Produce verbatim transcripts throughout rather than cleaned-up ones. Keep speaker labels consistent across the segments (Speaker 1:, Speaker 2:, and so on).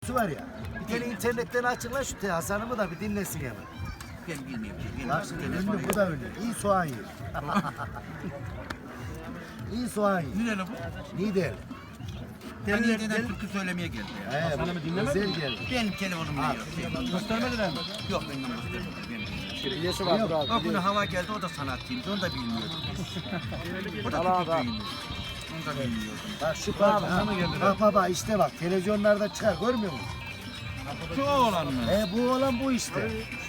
Speaker 1: var ya. Bir tane internetten açıkla şu Hasan'ımı da bir dinlesin hemen.
Speaker 2: Ben bilmiyorum ki. Ben
Speaker 1: Bak ünlü, bu da ünlü. İyi soğan yer. İyi soğan yer.
Speaker 2: Nerede bu?
Speaker 1: Niğde.
Speaker 2: Ben Niğde'den türkü söylemeye geldi ya.
Speaker 1: He,
Speaker 3: Hasan'ımı dinlemedin
Speaker 1: özel
Speaker 3: mi?
Speaker 1: geldi.
Speaker 2: Benim telefonum
Speaker 1: Ha.
Speaker 2: yok.
Speaker 3: Göstermediler mi?
Speaker 2: Yok benim göstermedim. Benim.
Speaker 3: Şiriyesi vardır abi.
Speaker 2: Bak bunu hava geldi o da sanatçıymış. Onu da bilmiyordum. O da
Speaker 3: Allah
Speaker 2: türkücüymüş. Onu da bilmiyordum.
Speaker 1: Bak şu parça.
Speaker 3: Hasan'a geldi.
Speaker 1: Bak baba işte bak televizyonlarda çıkar görmüyor musun?
Speaker 2: Şu oğlan mı?
Speaker 1: He bu olan bu işte.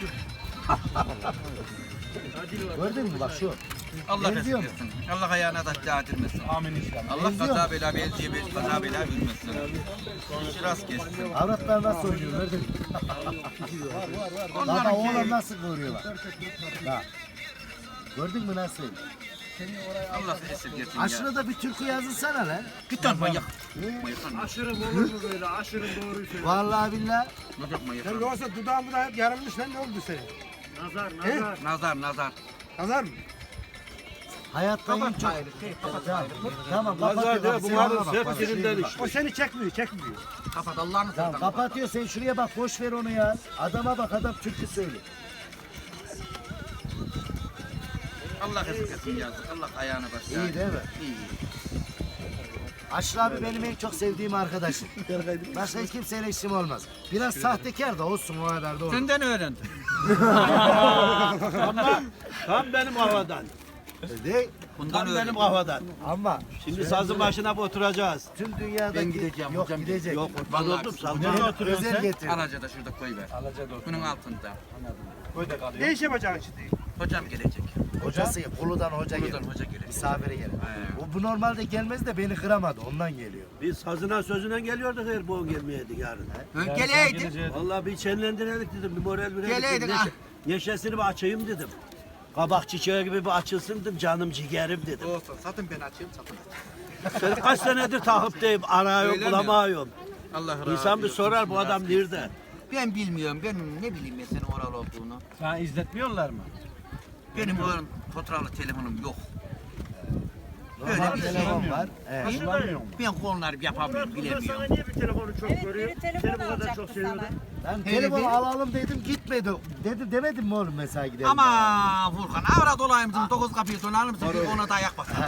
Speaker 1: Gördün mü bak şu.
Speaker 2: Allah
Speaker 1: Benziyor mu?
Speaker 2: versin. Allah ayağına da değdirmesin.
Speaker 3: Amin inşallah.
Speaker 2: Allah
Speaker 1: Benziyor
Speaker 2: kaza
Speaker 1: mu?
Speaker 2: bela belciye bir kaza bela vermesin. İşi rast kessin.
Speaker 1: Avratlar nasıl oynuyor gördün mü? Baba
Speaker 2: Onların
Speaker 1: oğlan
Speaker 2: ki
Speaker 1: nasıl kıvırıyor bak. Bak. Gördün mü nasıl?
Speaker 2: Allah esirgesin ya.
Speaker 1: Aşırı da bir türkü yazılsana lan.
Speaker 2: Git lan manyak.
Speaker 1: He?
Speaker 2: Manyak lan.
Speaker 4: Aşırı olur mu böyle? Aşırı doğruyu söyle.
Speaker 1: Vallahi billahi.
Speaker 2: Manyak manyak.
Speaker 4: Sen yoksa dudağımı da hep yarılmış lan ne oldu senin? Nazar, nazar.
Speaker 2: Nazar nazar.
Speaker 4: Nazar mı?
Speaker 1: Hayatta en
Speaker 2: Kapat
Speaker 1: çok...
Speaker 2: çayını. Kapat
Speaker 1: Tamam,
Speaker 2: çayını.
Speaker 1: tamam kapatıyor. Bak, sen ona bak, bak, şuraya bak.
Speaker 4: O seni çekmiyor, çekmiyor.
Speaker 2: Kapat Allah'ını
Speaker 1: Tamam
Speaker 2: seversen.
Speaker 1: kapatıyor sen şuraya bak boş ver onu ya. Adama bak adam türkü söylüyor.
Speaker 2: Allah esirgesin yazık. Allah ayağına başlar.
Speaker 1: İyi değil mi?
Speaker 2: İyi.
Speaker 1: Aşırı abi benim en çok sevdiğim arkadaşım. Başka hiç kimseyle işim olmaz. Biraz sahtekar da olsun o kadar da olur.
Speaker 2: Senden öğrendim.
Speaker 5: Ama tam benim kafadan.
Speaker 1: De,
Speaker 2: Bundan
Speaker 5: Tam benim
Speaker 2: öğrendim.
Speaker 5: kafadan.
Speaker 1: ama
Speaker 5: Şimdi sazın başına oturacağız.
Speaker 1: tüm dünyadaki...
Speaker 2: Ben gideceğim,
Speaker 1: Yok
Speaker 2: hocam
Speaker 1: gidecek.
Speaker 5: Yok
Speaker 2: Vallahi
Speaker 5: oturdum
Speaker 2: biz-
Speaker 5: sazın
Speaker 1: Özel-
Speaker 5: başına oturuyorsun
Speaker 1: özel
Speaker 5: sen.
Speaker 1: getir.
Speaker 2: Alaca'da şurada koy ver. Bunun altında.
Speaker 3: Köyde kalıyor.
Speaker 4: Ne iş yapacaksın şimdi?
Speaker 2: Hocam gelecek.
Speaker 1: Hocası Kulu'dan hoca
Speaker 2: Kulu'dan
Speaker 1: gelir.
Speaker 2: hoca gelir.
Speaker 1: Misafire gelir.
Speaker 2: He.
Speaker 1: O bu normalde gelmez de beni kıramadı ondan geliyor.
Speaker 5: Biz sazına sözüne geliyorduk her boğun gelmeyeydik yarın.
Speaker 2: Geleydi.
Speaker 5: Vallahi bir çenlendirelim dedim, bir moral verelim.
Speaker 2: Geleydik,
Speaker 5: dedim.
Speaker 2: ah.
Speaker 5: Neşe- Neşesini bir açayım dedim. Kabak çiçeği gibi bir açılsın dedim, canım ciğerim dedim.
Speaker 2: Olsun. Satın ben açayım satın.
Speaker 5: Seni kaç senedir takipteyim, arıyorum,
Speaker 2: Öyle mi?
Speaker 5: bulamıyorum.
Speaker 2: Allah razı
Speaker 5: İnsan bir
Speaker 2: olsun.
Speaker 5: sorar bu adam nerede?
Speaker 2: Ben bilmiyorum. Ben ne bileyim ben senin oral olduğunu.
Speaker 3: Sana izletmiyorlar mı?
Speaker 2: Benim o fotoğraflı telefonum yok.
Speaker 1: Normal
Speaker 2: Öyle bir şey.
Speaker 1: telefon var. Evet.
Speaker 3: Kullanmıyor mu?
Speaker 2: Ben konuları yapamıyorum,
Speaker 4: Burada sana
Speaker 2: bilemiyorum.
Speaker 4: niye bir telefonu çok
Speaker 6: Evet,
Speaker 4: görüyor?
Speaker 6: biri
Speaker 4: Seni
Speaker 6: telefon
Speaker 4: bu kadar çok
Speaker 6: alacaktı
Speaker 4: seviyordu.
Speaker 6: sana.
Speaker 1: Ben
Speaker 2: Hele
Speaker 1: telefon
Speaker 2: bir-
Speaker 1: alalım dedim gitmedi. Dedim demedim mi oğlum mesela gidelim.
Speaker 2: Ama Furkan avrat olayım dedim. Dokuz kapıyı sonar mısın? Bir ona da ayak basar.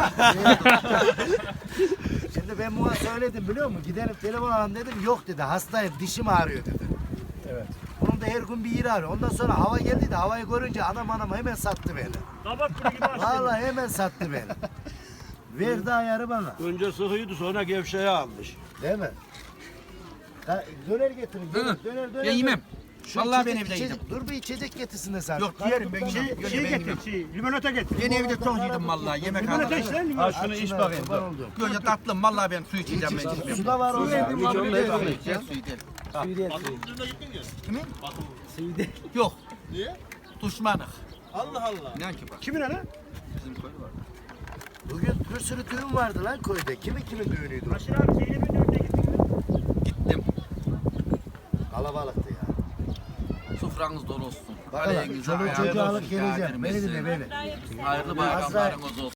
Speaker 1: Şimdi ben buna söyledim biliyor musun? Gidelim telefon alalım dedim. Yok dedi hastayım dişim ağrıyor dedi.
Speaker 3: Evet.
Speaker 1: Bunun da her gün bir yeri ağrıyor. Ondan sonra hava geldi de havayı görünce anam anam hemen sattı beni.
Speaker 4: Kabak kuru gibi açtın.
Speaker 1: Vallahi hemen sattı beni. Verdi ayarı bana.
Speaker 5: Önce sıkıydı, sonra gevşeği almış.
Speaker 1: Değil mi? Da, döner getirin. Döner,
Speaker 2: Hı.
Speaker 1: döner, döner.
Speaker 2: Ben yemem.
Speaker 1: Şu
Speaker 2: Vallahi
Speaker 1: içecek-
Speaker 2: ben evde
Speaker 1: içecek-
Speaker 2: yedim.
Speaker 1: Dur bir içecek getirsin de sen.
Speaker 2: Yok, yerim ben
Speaker 4: Şey,
Speaker 2: yedim.
Speaker 4: şey
Speaker 2: ben
Speaker 4: getir,
Speaker 2: yemem.
Speaker 4: şey, limonata getir.
Speaker 2: Ben evde çok yedim vallahi. Yemek
Speaker 4: Limonata
Speaker 2: aldım.
Speaker 4: iç lan
Speaker 3: Ha
Speaker 4: limonata.
Speaker 3: şunu iç bakayım. dur.
Speaker 1: Oldu.
Speaker 2: Önce tatlım vallahi ben su içeceğim ben içmeyeyim.
Speaker 1: Su da var orada.
Speaker 2: Suyu değil. Kimin?
Speaker 3: Suyu değil.
Speaker 2: Yok. Niye? Düşmanık.
Speaker 5: Allah Allah.
Speaker 2: İnan ki bak.
Speaker 4: Kimin ana?
Speaker 2: Bizim köy var.
Speaker 1: Bugün bir sürü düğün vardı lan köyde. Kimin kimin düğünüydü? o?
Speaker 4: Aşırı abi şeyle bir dörtte gittin mi?
Speaker 2: Gittim.
Speaker 1: Kalabalıktı ya.
Speaker 2: Sofranız dolu olsun.
Speaker 1: Bakalım.
Speaker 2: Aleyhinize
Speaker 1: Çoluk
Speaker 2: ayağınız
Speaker 1: çocuğu alıp
Speaker 2: olsun,
Speaker 1: geleceğim. Beni
Speaker 2: kâdirmesin.
Speaker 1: dinle beni.
Speaker 2: Hayırlı bayramlarınız olsun.